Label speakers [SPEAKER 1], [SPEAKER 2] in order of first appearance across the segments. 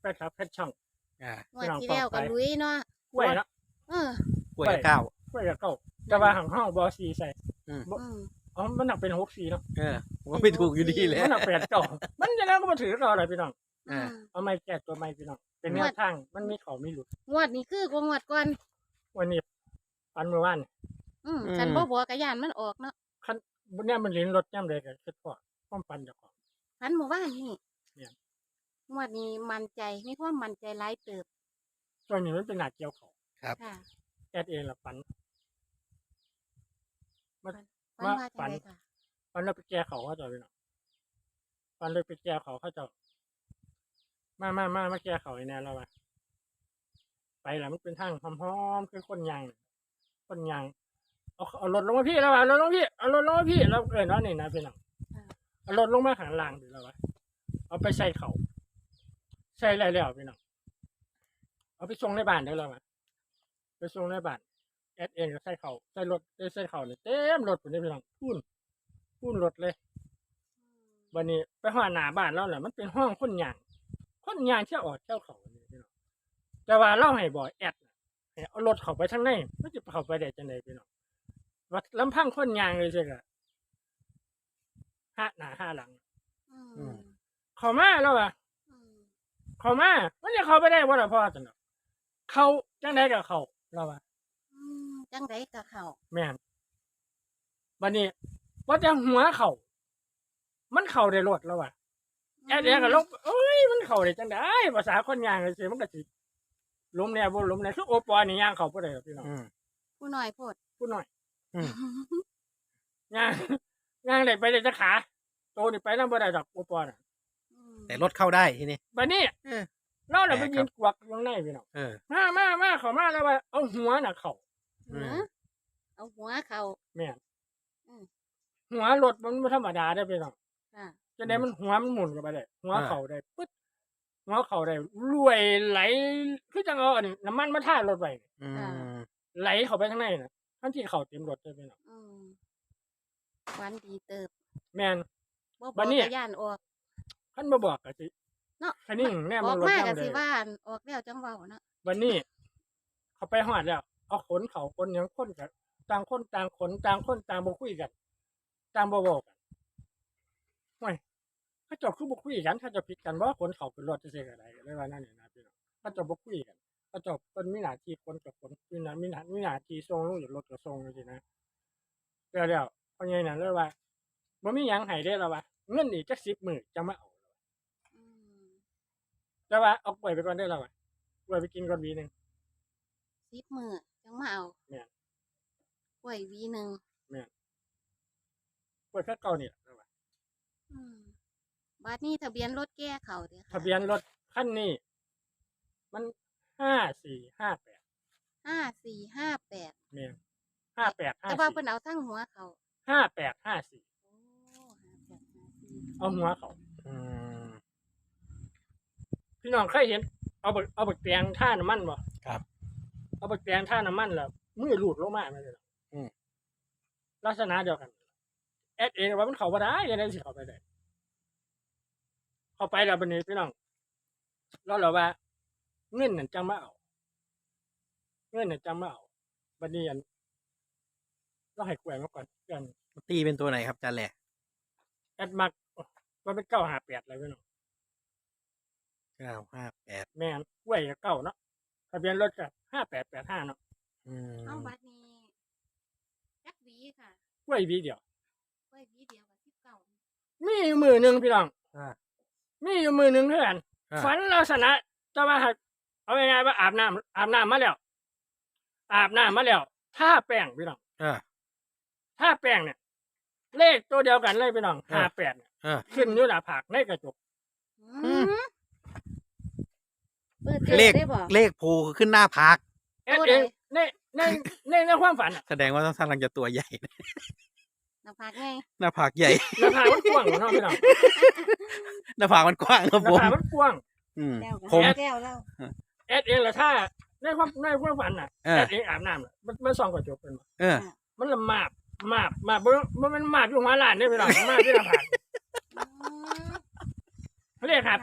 [SPEAKER 1] แฟนคลับแฟนช่อง
[SPEAKER 2] งวดที่แล้วก็ลุยเนาะ
[SPEAKER 1] กล้วยเนาะ
[SPEAKER 3] กล้วยเก้าก
[SPEAKER 1] ล้วยกับเก้าแต่ว่าของห้องบอซีใส่ อ๋อมันหนักเป็น6-4เนาะ
[SPEAKER 3] ผมก็ไม่ถูกอยู่ดีแหละ
[SPEAKER 1] มันหนัก8 เก้ามันจะแล้วก็มาถือเราอะไรพี่น้อง
[SPEAKER 3] อ่า
[SPEAKER 1] เอาไม้แก้ตัวไม้พี่น้องเป็นแนวทางมันมีเขามีหลุด
[SPEAKER 2] งวดนี้คือกว่างวดก่อน
[SPEAKER 1] วันนี้ปันเมื่อวาน
[SPEAKER 2] ฉันบ่บอกกะยานมันออกเนาะ
[SPEAKER 1] คันบนนี้มันลิ้นรถย่ำเลยกันคิดพอความปันเจ้าของ
[SPEAKER 2] พันเมื่อวานนี่
[SPEAKER 1] เนี่ย
[SPEAKER 2] งวดนี้มั่นใจมีความมั่นใจหลายเติบ
[SPEAKER 1] ตัวนี้มันเป็นหนาเกี่ยวเขา
[SPEAKER 3] ครับ
[SPEAKER 2] ค่ะ
[SPEAKER 1] แอดเองละปัน
[SPEAKER 2] ฝันว่าจังไดค่ะ
[SPEAKER 1] ปันเราไปแก้เขาเขาจะพี่น้องปันเลยไปแก้เขาเขาจะมาแก้เขาไอ้แน่แล้วว่ะไปแล้วมันเป็นทางหอมๆคือคนยางเอารถลงมาพี่แล้วว่ะรถลงพี่เอารถลงมาพี่แล้วเนาะนี่นะพี่น้องเอารถลงมาข้างล่างดิแล้วว่ะเอาไปใส่เขาใส่แล้วพี่น้องเอาไปส่งในบ้านได้แล้วว่ะไปส่งในบ้านแอดเองก็ใส่เขาใส่รถใส่เขาเนี่ยเต็มรถผมนี่พี่น้องพูนรถเลยวันนี้ไปห้องหน้าบ้านแล้วแหละมันเป็นห้องคนยางเที่ยวออกเที่ยวเขาเนี่ยพี่น้องแต่ว่าเล่าให้บ่อยแอดให้เอารถเขาไปทางไหนมันจะเขาไปได้จังไดพี่น้องว่าลำพังคนยางเลยใช่ไหมห้าหน้าห้าหลังเขามาแล้วอ่ะเขามามันจะเขาไปได้บ่ล่ะพ่อจังเนาะเขาจังไดกับเขาแล้วอ่ะ
[SPEAKER 2] จังไดกับเขา
[SPEAKER 1] แม่นวันนี้ว่าจะหัวเขามันเข่าได้รถแล้วว่ะแอดก็ลบเอ้ยมันเข่าได้จังไดภาษาคนยางเลยสิมันก็สิล้มแน่บ่ล้มแน่คือโอปอนี่ย่างเขาบ่ได้หรอกพี่น้อง
[SPEAKER 2] ผู้น้อยโพด
[SPEAKER 1] พูดหน่อยย่างได้ไปได้จะขาโตนี่ไปนำบ่ได้ดอกโอปอน่ะ
[SPEAKER 3] แต่รถเข้าได้ทีนี้
[SPEAKER 1] บัดนี้เราน่ะไปยืนกวักข้างในพี่น้องมาเข้ามาแล้วว่าเอาหัวน่ะเข้า
[SPEAKER 2] เอาหัวเขา
[SPEAKER 1] แม่นหัวรถมันบ่ธรรมดาเด้อพี่น้อง
[SPEAKER 2] ค่ะ
[SPEAKER 1] จะได้มันหัวมันหมุนกันไปได้หัวเข้าได้ปึ๊ดหัวเข้าได้รวยไหลคือจังเอาอันนี้น้ำมันมาท่ารถไว้ ไหลเข้าไปข้างในน่ะทั้งที่เข้าเต็มรถเลยพี่น้อง
[SPEAKER 2] วันดีเติบ
[SPEAKER 1] แม่น
[SPEAKER 2] บ่
[SPEAKER 1] บั
[SPEAKER 2] บอ
[SPEAKER 1] ด
[SPEAKER 2] ก
[SPEAKER 1] นี้
[SPEAKER 2] กะยานออก
[SPEAKER 1] คันบ่บอกก็สิ
[SPEAKER 2] เนาะ
[SPEAKER 1] คันนี้แน่
[SPEAKER 2] อ
[SPEAKER 1] มั
[SPEAKER 2] อน ก
[SPEAKER 1] รถ
[SPEAKER 2] มา
[SPEAKER 1] จั
[SPEAKER 2] ก็
[SPEAKER 1] งได๋
[SPEAKER 2] สิว่าออกแล้วจังเว้าเนาะ
[SPEAKER 1] วันนี้เขาไปฮอดแล้วเอาขนเขาคนหยังคนกันต่างคนต่างขนต่างคนต่างบ่คุยกันต่างบ่เว้ากันโอ้ยเขาเจ้าคือบ่คุยกันเขาเจ้าผิดกันบ่ขนเขาขึ้นรถจังซี่ก็ได้เลยว่านั่นนี่นะพี่น้องเขาเจ้าบ่คุยกันเขาเจ้าเพิ่นมีหน้าที่ขนกับขนมีหน้าที่ส่งลงจากรถก็ส่งจังซี่นะแล้วพ่อใหญ่นั่นเลยว่าบ่มีหยังให้เด้แล้วว่าเงินอีกจัก10มื้อจังมาเอาแต่ว่าเอากล้วยไปก่อนได้แล้วว่ากล้วยไปกินก่อนหวีนึง
[SPEAKER 2] 10 มื้อจังมาเอา
[SPEAKER 1] แม่น
[SPEAKER 2] กล้วยหวีหนึง
[SPEAKER 1] กล้วยแค่เก่านี่แหละแล้วว่า
[SPEAKER 2] บัดนี้ทะเบียนรถแก้เขาเด้อค่ะ
[SPEAKER 1] ทะเบียนรถคันนี้มัน5458
[SPEAKER 2] 5458
[SPEAKER 1] แม่น
[SPEAKER 2] แต่ว่าเพิ่นเอาทั้งหัวเขา
[SPEAKER 1] 5854
[SPEAKER 2] โอ้
[SPEAKER 1] เอาหัวเขาพี่น้องเคยเห็นเอาบักแตงท่าน้ำมันบ่
[SPEAKER 3] ครับ
[SPEAKER 1] เอาบักแตงท่าน้ำมันแล้วมือหลุดลงมาแม่นเลยลักษณะเดียวกันแอดเองว่ามันเข้าบ่ได้ยังไงสิเข้าไปได้เข้าไปแล้วบัดนี้พี่น้องเราว่าเงินนั่นจังมาเอาบัดนี้อันเราให้กล้วยมาก่อนกัน
[SPEAKER 3] ตีเป็นตัวไหนครับจานแหล่
[SPEAKER 1] แอดมักมันเป็น958เลยพี่น้อง
[SPEAKER 3] 958
[SPEAKER 1] แม่นกล้วยก็เก่าเนาะทะเบียนรถก็5885เนาะ
[SPEAKER 2] เอาบัดนี้จักหวีค่ะ
[SPEAKER 1] กล้วยวีเดียว
[SPEAKER 2] กล้วยหวีเดียวกับ19
[SPEAKER 1] มีอยู่มือหนึงพี่น้อง มีอยู่มือหนึงเท่านั้น ฝันลักษณะจะว่าเอาง่ายๆว่าอาบน้ำมาแล้วท่าแป้งพี่น้องท่าแป้งเนี่ยเลขตัวเดียวกันเลยพี่น้อง58เนี่ยขึ้นอยู่หน้าผากในกระจก
[SPEAKER 2] เปิด
[SPEAKER 3] เลข
[SPEAKER 2] ได้บ่
[SPEAKER 3] เลขโผล่ขึ้นหน้าผาก
[SPEAKER 1] เอ็ดเองในความฝันอะ
[SPEAKER 3] แสดงว่าต้องกำลังจะตัวใหญ่
[SPEAKER 2] หน้าผากไง
[SPEAKER 3] หน้าผากใหญ่
[SPEAKER 1] หน้าผากมันกว้างเนาะพี่น้อง
[SPEAKER 3] หน้าผากมันกว้างครับ
[SPEAKER 1] หน้า
[SPEAKER 3] ผม
[SPEAKER 1] ผากมันกว้าง
[SPEAKER 2] แล้ว
[SPEAKER 3] ผม
[SPEAKER 2] แก้วแล้ว
[SPEAKER 1] เอ็ดเองละถ้าในความฝันน่ะเอ็ดเองอาบน้ำน่ะมันส่องกระจกเป็นบ่ มันละมาบบ่มันมาบอยู่หัวล้านเด้พี่น้องมาบที่หน้าผากเลข58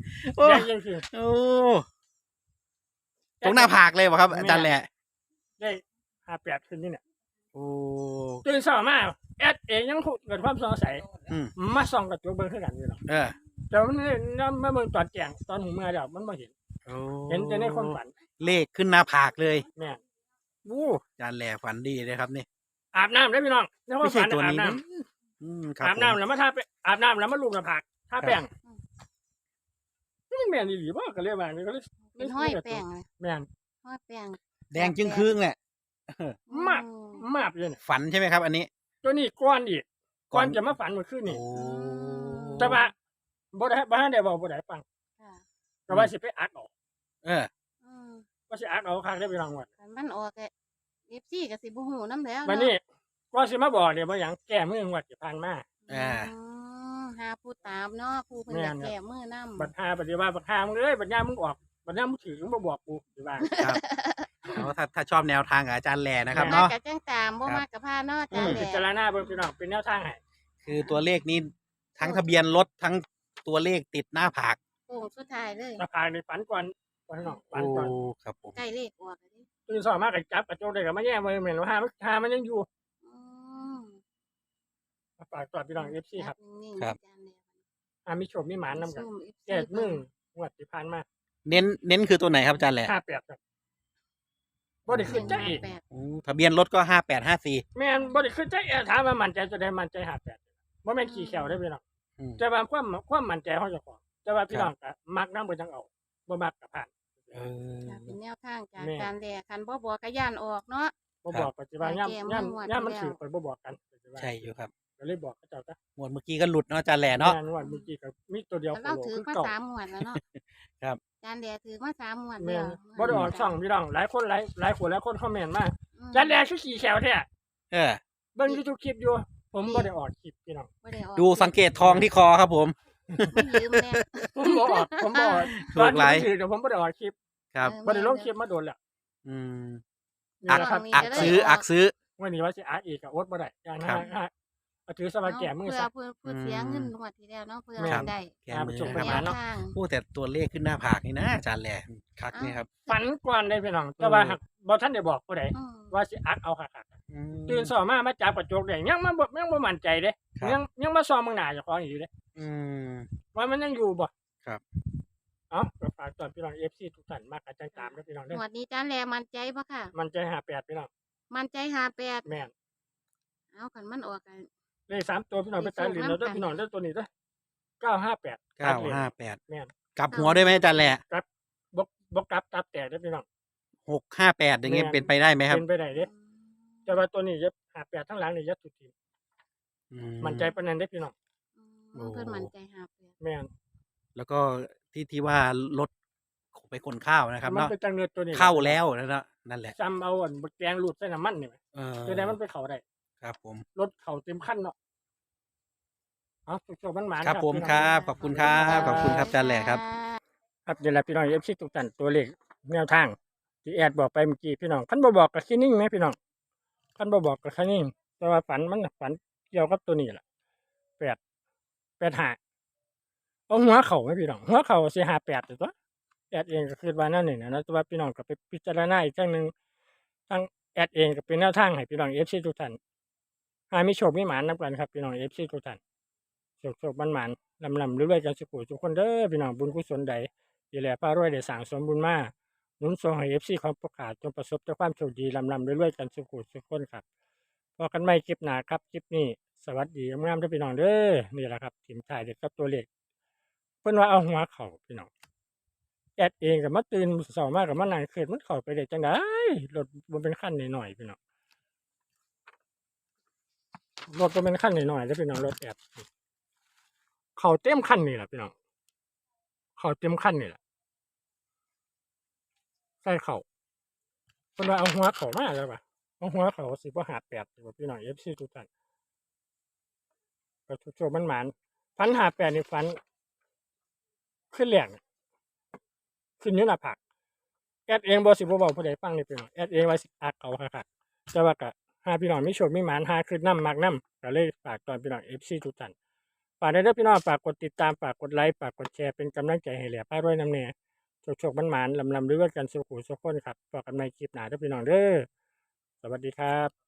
[SPEAKER 3] โอ้
[SPEAKER 1] แดงจริง
[SPEAKER 3] โอ้ตรงหน้าผากเลยป่ะครับอาจารย์แหละ
[SPEAKER 1] ๆได้58ขึ้นนี่เนี่ย
[SPEAKER 3] โอ้
[SPEAKER 1] ตื่นเช้ามาแอดเองยังเกิดความสงสัย
[SPEAKER 3] อืม
[SPEAKER 1] มาส่องกระจกเบิ่งคือกันอยู่เนาะ
[SPEAKER 3] เออ
[SPEAKER 1] แต่มันมาเบิ่งตอนแจ้งตอนหูเมื่อเดี๋ยวมันบ่เห็น
[SPEAKER 3] โอ้
[SPEAKER 1] เห็นแต่ในความฝัน
[SPEAKER 3] เลขขึ้นหน้าผากเลย
[SPEAKER 1] แม่น
[SPEAKER 3] อาจารย์แหล่ฝันดีเลยครับนี่
[SPEAKER 1] อาบน้ำได้อพี่น้องในความ
[SPEAKER 3] ไม่ใช่
[SPEAKER 1] ฝัน
[SPEAKER 3] ตัว
[SPEAKER 1] อาบ
[SPEAKER 3] นี้
[SPEAKER 1] น้
[SPEAKER 3] นะอืมครั
[SPEAKER 1] ำ
[SPEAKER 3] บ
[SPEAKER 1] อาบน้ำแล้วมาทาไปอาบน้ำแล้วมาลูบหน้าผากทาแป้งนี่แม่นอีหลีบ่ก็เลยว่านี่ก็เลย
[SPEAKER 2] เป็นห้อยแป้งเลย
[SPEAKER 1] แม่น
[SPEAKER 2] ห้อยแป้ง
[SPEAKER 3] แดงจึงครึ่งแหละ
[SPEAKER 1] มาก มากเลยเนี่ย
[SPEAKER 3] ฝันใช่ไหมครับ อันนี้
[SPEAKER 1] ตัวนี้ก้อนอีก
[SPEAKER 3] ก่
[SPEAKER 1] ก้
[SPEAKER 3] อ
[SPEAKER 1] อน นจะมาฝันเมื่อคืนนี่
[SPEAKER 3] โอ้
[SPEAKER 1] แต่ว่าบ่ได้ได้บอกบ่ได้ฟัง
[SPEAKER 2] ค่ะ
[SPEAKER 1] ก็ว่าสิไปอัดออก
[SPEAKER 3] เออ
[SPEAKER 2] อืม
[SPEAKER 1] ว่าสิอัดออกคักได้อพี่น้องว่า
[SPEAKER 2] คันมันออกก็FCก็สิบ่ฮู้นำแล้ว
[SPEAKER 1] วันนี้ก็สิมาบอกเนี่ยบ่หยังแก้มืองวดที่ผ่านมา
[SPEAKER 3] อ่า
[SPEAKER 2] หาผู้ตามเนาะผู้เพิ่นอยาก
[SPEAKER 1] แม่นครับ
[SPEAKER 2] แก้มือนำ
[SPEAKER 1] บัดหาปฏิว่าบัดหามึงเอ้ยบัดยามมึงออกบัดยามมึงถือมึงบ่บอกกูสิว่า
[SPEAKER 3] ครับแล้วถ้าชอบแนวทางกับอาจารย์แหล่นะครับ
[SPEAKER 2] มา
[SPEAKER 3] เนาะ
[SPEAKER 2] กับจังตามบ่มากับพาเนาะอาจารย์แห
[SPEAKER 1] พิ
[SPEAKER 2] ละ
[SPEAKER 1] จารณาเบิ่งพี่น้องเป็นแนวทางให้
[SPEAKER 3] คือตัวเลขนี้ทั้งทะเบียนรถทั้งตัวเลขติดหน้าผาก
[SPEAKER 2] โค้งสุดท้ายเลย
[SPEAKER 1] ถ้าผ่านในฝันก่อนพี่น้องฝัน
[SPEAKER 3] โอ้
[SPEAKER 1] ก่อน
[SPEAKER 3] ครับผม
[SPEAKER 2] ใกล้เลขออกแล้วดิ
[SPEAKER 1] ตื่นสายมาก็จับกระจกได้ก็มาแย่มือแม่นว่าหามันยังอยู่
[SPEAKER 2] อืม
[SPEAKER 1] ฝากตอดพี่น้อง FC ครับ
[SPEAKER 2] นิ่งๆอาจารย์แหละ
[SPEAKER 1] มีโชคมีหมานนํกัน
[SPEAKER 2] ซุ่ม FC
[SPEAKER 1] แก้มืองวดที่ผ่านมา
[SPEAKER 3] เน้นคือตัวไหนครับอาจารย์แหล่
[SPEAKER 1] 58ครับบ่ได้ขึ้นใจอีก
[SPEAKER 2] 58
[SPEAKER 3] โอ้ทะเบียนรถก็5854
[SPEAKER 1] แม่นบ่ได้ขึ้นใจถามว่ามั่นใจจะได้มั่นใจ58บ่แม่นขี้แขวได้อพี่น้อง
[SPEAKER 3] อืม
[SPEAKER 1] แต่ว่าความมั่นใจของเจ้าของแต่ว่าพี่น้องก็มักนำบ่จังเอาบ่มักก็ผ่าน
[SPEAKER 3] เออ
[SPEAKER 2] ค่ะเป็นแนวทางจาก
[SPEAKER 1] แม่
[SPEAKER 2] การแลคันบ่บอกก็ย่านออกเนาะ
[SPEAKER 1] บ่บอกปัจจุบัน
[SPEAKER 2] ครับ
[SPEAKER 1] ย่ำมันถือไปบ่บอกกันปัจจุบัน
[SPEAKER 3] ใช่อยู่ครับ
[SPEAKER 1] ก็เลยบอกเขาเจ้าก็
[SPEAKER 3] งวดเมื่อกี้ก็หลุดเนาะอาจารย์แหล่เนาะ
[SPEAKER 1] แม่นว่าเมื่อกี้ก็มีตัวเดียว
[SPEAKER 2] แต่เราถือ
[SPEAKER 1] คือ
[SPEAKER 2] มา
[SPEAKER 1] เก่า
[SPEAKER 2] 3งวดแล้วเนาะ
[SPEAKER 3] ครับ
[SPEAKER 2] อาจารย์แลถือมา3งวด
[SPEAKER 1] แม่
[SPEAKER 2] แล้ว
[SPEAKER 1] นบ่ได้ออกช่องพี่น้องหลายคนหลายคนคอมเมนต์มา
[SPEAKER 2] อืม
[SPEAKER 1] จันแลคือขี้แขวแท้
[SPEAKER 3] เออ
[SPEAKER 1] เบิ่ง YouTube คลิปอยู่ ผมบ่ได้ออกคลิปพี่น้อง
[SPEAKER 2] บ่ได้ออก
[SPEAKER 3] ดูสังเกตทองที่คอครับผม
[SPEAKER 2] มันยืมแน่
[SPEAKER 1] ผมบ่ออกผมบ่ออก
[SPEAKER 3] ถูกหลาย
[SPEAKER 1] ตอนนี้ถือเดี๋ยวผมบ่ได้ออกคลิป
[SPEAKER 3] ครับ
[SPEAKER 1] บ่ได้ลงคลิปมาโดนแล้ว
[SPEAKER 3] อืม
[SPEAKER 1] นี่
[SPEAKER 3] อัก
[SPEAKER 1] แหละครับ
[SPEAKER 3] อักซื้อ
[SPEAKER 1] วันนี้ว่าสิอักอีกก็อดบ่ได้อย่าง
[SPEAKER 3] ครั
[SPEAKER 1] นั้น
[SPEAKER 3] บ
[SPEAKER 1] ฮะเอาถือสบายแก่มือ
[SPEAKER 2] เพื่อ
[SPEAKER 1] ซะ
[SPEAKER 2] เพื่อเสียเงินงวดที่แล้วเนาะเพื่อ
[SPEAKER 1] ครับ
[SPEAKER 2] ได้
[SPEAKER 3] แกมือ
[SPEAKER 1] ครับ
[SPEAKER 3] นะ
[SPEAKER 1] ป
[SPEAKER 3] ค
[SPEAKER 1] ระ
[SPEAKER 3] รับ
[SPEAKER 1] มาณ
[SPEAKER 2] แนวทาง
[SPEAKER 3] โอ้แต่ตัวเลขขึ้นหน้าผากนี่นะอาจารย์แหล่คักนี่ครับ
[SPEAKER 1] ฝันก่อนได้พี่น้องแต่ว่าหากบ่ทันได้บอกผู้ใด
[SPEAKER 2] อืม
[SPEAKER 1] ว่าสิอักเอาคัก
[SPEAKER 3] อืม
[SPEAKER 1] ๆตื่นสอมาจับกระจกได้ยังบ่มั่นใจเด้
[SPEAKER 3] ครับ
[SPEAKER 1] ยังมาซ้อมเมืองหน้าเจ้าของอยู่เด้
[SPEAKER 3] อืม
[SPEAKER 1] ว่ามันยังอยู่บ่
[SPEAKER 3] ครับ
[SPEAKER 1] เอ้าก็ฝากตอนพี่น้อง FC ทุกท่านมากอาจารย์ตามเด้อพี่น้องเด้
[SPEAKER 2] ง
[SPEAKER 1] อ
[SPEAKER 2] วดนี้อาจารย์แลมั่นใจบ่ค่ะ
[SPEAKER 1] มันใจ58พี่น้อง
[SPEAKER 2] มั่นใจ58
[SPEAKER 1] แม่น
[SPEAKER 2] เอาคันมันออกกัน
[SPEAKER 1] เลข3ตัวพี่น้องไปตัดลิ้นแล้วเด้อพี่น้องเด้อตัวนี้เด้อ958
[SPEAKER 3] 958
[SPEAKER 1] แม่น
[SPEAKER 3] กลับหัวด้วยไหมอาจารย์แหล่
[SPEAKER 1] บ่กลับตับแตกเด้อพี่น้อง
[SPEAKER 3] 658อย่างเงี้ยเป็นไปได้ไหมครับ
[SPEAKER 1] เป็นไปได้เด้แต่ว่าตัวนี้จะ58ทั้งหลังนี่จะสุดที
[SPEAKER 3] อื
[SPEAKER 1] มั่นใจปานนั้นเด้อพี่น้อง
[SPEAKER 2] เพิ่นมั่นใจ58
[SPEAKER 1] แม่น
[SPEAKER 3] แล้วก็ที่ว่ารถไปขนข้าวนะครับ
[SPEAKER 1] มัน
[SPEAKER 3] เนาะ
[SPEAKER 1] เป็นจังเงินตัวนี้
[SPEAKER 3] เข้าแล้วนะนั่นแหละ
[SPEAKER 1] จำเอาอันบักแกงรูดใส่น้ำมันนี่แหม
[SPEAKER 3] เออ
[SPEAKER 1] คือได้มันไปเข้าได้
[SPEAKER 3] ครับผม
[SPEAKER 1] รถเข้าเต็มคันเนาะเอาสุกๆมันหมาน
[SPEAKER 3] ครับผม
[SPEAKER 1] พี่น้อง
[SPEAKER 3] ครับขอบคุณครับขอบคุณครับอาจารย์แหล่ครับ
[SPEAKER 1] ครับเดี๋ยวละพี่น้อง FC ทุกท่านตัวเลขแนวทางที่แอดบอกไปเมื่อกี้พี่น้องคันบ่บอกก็คือนิ่งไหมพี่น้องคันบ่บอกก็คือนิ่งแต่ว่าฝันเกี่ยวกับตัวนี้ล่ะ85เอาหัวเข่าไหมพี่น้องหัวเข่าสิ58ตัวแอดเองก็คือว่านั่นนี่นะแต่ว่าพี่น้องก็ไปพิจารณาอีกครั้งหนึงทางแอดเองก็เป็นแนวทางให้พี่น้อง FC ทุกท่านหามีโชคมีหมานนํกันครับพี่น้อง FC ทุกท่านโชคมันหมานลำรวยๆกันสุขทุกคนเด้อพี่น้องบุญกุศลใดที่แลพารวยได้สร้างสมบุญมาหนุนส่งให้ FC ของประกาศจงประสบแต่ความโชคดีลำรวยๆกันสุขทุกคนครับพอกันใหม่คลิปหน้าครับคลิปนี้สวัสดีงามๆเด้อพี่น้องเด้อนี่แหละครับทีมถ่ายเด็กกับตัวเลขเพิ่นว่าเอาหัวเข่าพี่น้องแอดเองก็มาตื่นเช้ามาก็มานั่งคิดมันเข้าไปได้จังได๋รถบ่เป็นคันน้อยๆพี่น้องรถบ่เป็นคันน้อยๆเด้อพี่น้องรถแอดเข้าเต็มคันนี่ล่ะพี่น้องเข้าเต็มคันนี่ล่ะใส่เข้าเพิ่นว่าเอาหัวเข้ามาแล้วป่ะเอาหัวเข้าสิบ่58สิบ่พี่น้อง FC ทุกท่านก็โชคๆมันหมานฝัน58นี่ฝันขึ้นแรงขึ้นอยู่หน้าผากแอดเองบ่สิบ่เว้าผู้ใดฟังนี่พี่น้องแอดเองว่าสิอักเอาคักๆแต่ว่าก็หาพี่น้องมีโชคมีหมานหาขึ้นนำมักนำก็เลยฝากตอนพี่น้อง FC ทุกท่านฝากได้เด้อพี่น้องฝากกดติดตามฝากกดไลค์ฝากกดแชร์เป็นกำลังใจให้แหล่พารวยน้ำแน่โชคๆมันๆลำๆด้วยกันสุขุสุขคนครับฝากกันใหม่คลิปหน้าเด้อพี่น้องเด้อสวัสดีครับ